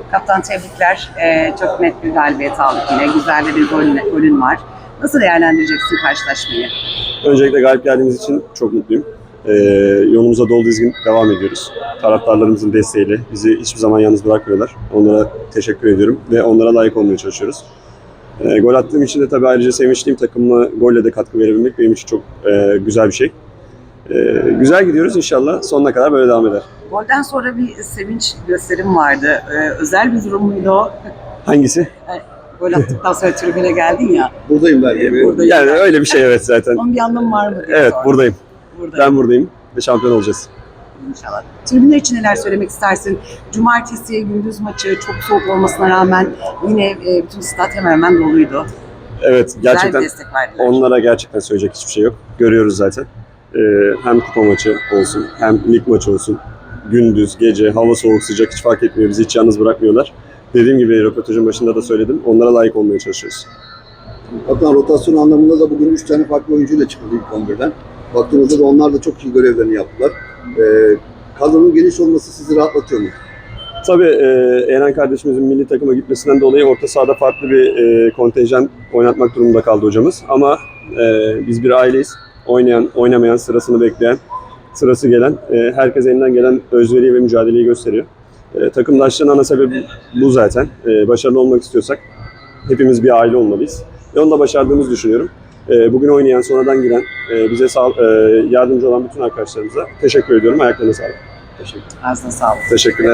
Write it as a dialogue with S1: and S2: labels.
S1: Kaptan tebrikler. Çok net bir galibiyet aldık yine. Güzel de bir golün var. Nasıl değerlendireceksin karşılaşmayı?
S2: Öncelikle galip geldiğimiz için çok mutluyum. Yolumuza dolu dizgin devam ediyoruz. Taraftarlarımızın desteğiyle bizi hiçbir zaman yalnız bırakmıyorlar. Onlara teşekkür ediyorum ve onlara layık olmaya çalışıyoruz. Gol attığım için de tabii ayrıca sevinçliyim. Takımıma golle de katkı verebilmek benim için çok güzel bir şey. Güzel gidiyoruz, inşallah sonuna kadar böyle devam eder.
S1: Golden sonra bir sevinç gösterim vardı. Özel bir durum muydu o?
S2: Hangisi?
S1: Gol attıktan sonra tribüne geldin ya.
S3: Buradayım belki.
S1: Buradayım.
S2: Yani öyle bir şey, evet, zaten.
S1: Onun bir anlamı var mı diye
S2: Evet,
S1: sordum.
S2: buradayım.
S1: Buradayım.
S2: Ben buradayım ve şampiyon olacağız.
S1: İnşallah. Tribünler için neler söylemek istersin? Cumartesi gündüz maçı çok soğuk olmasına rağmen yine bütün stat hemen hemen doluydu.
S2: Evet,
S1: Güzel
S2: gerçekten
S1: bir destek verdiler.
S2: onlara gerçekten söyleyecek hiçbir şey yok. Görüyoruz zaten. Hem kupa maçı olsun, hem lig maçı olsun. Gündüz, gece, hava soğuk, sıcak hiç fark etmiyor. Bizi hiç yalnız bırakmıyorlar. Dediğim gibi röportajın başında da söyledim. Onlara layık olmaya çalışıyoruz.
S3: Hatta rotasyon anlamında da bugün 3 tane farklı oyuncuyla çıkıldı ilk 11'den. Baktığımızda da onlar da çok iyi görevlerini yaptılar. Kadronun geniş olması sizi rahatlatıyor mu?
S2: Tabii Eren kardeşimizin milli takıma gitmesinden dolayı orta sahada farklı bir kontenjan oynatmak durumunda kaldı hocamız. Ama biz bir aileyiz. Oynayan, oynamayan, sırasını bekleyen, sırası gelen, herkes elinden gelen özveriyi ve mücadeleyi gösteriyor. Takımdaşlığın ana sebebi bu zaten. Başarılı olmak istiyorsak hepimiz bir aile olmalıyız. Ve onu da başardığımızı düşünüyorum. Bugün oynayan, sonradan giren, bize yardımcı olan bütün arkadaşlarımıza teşekkür ediyorum. Ayaklarına sağlık.
S1: Ağzına sağlık.
S2: Teşekkürler.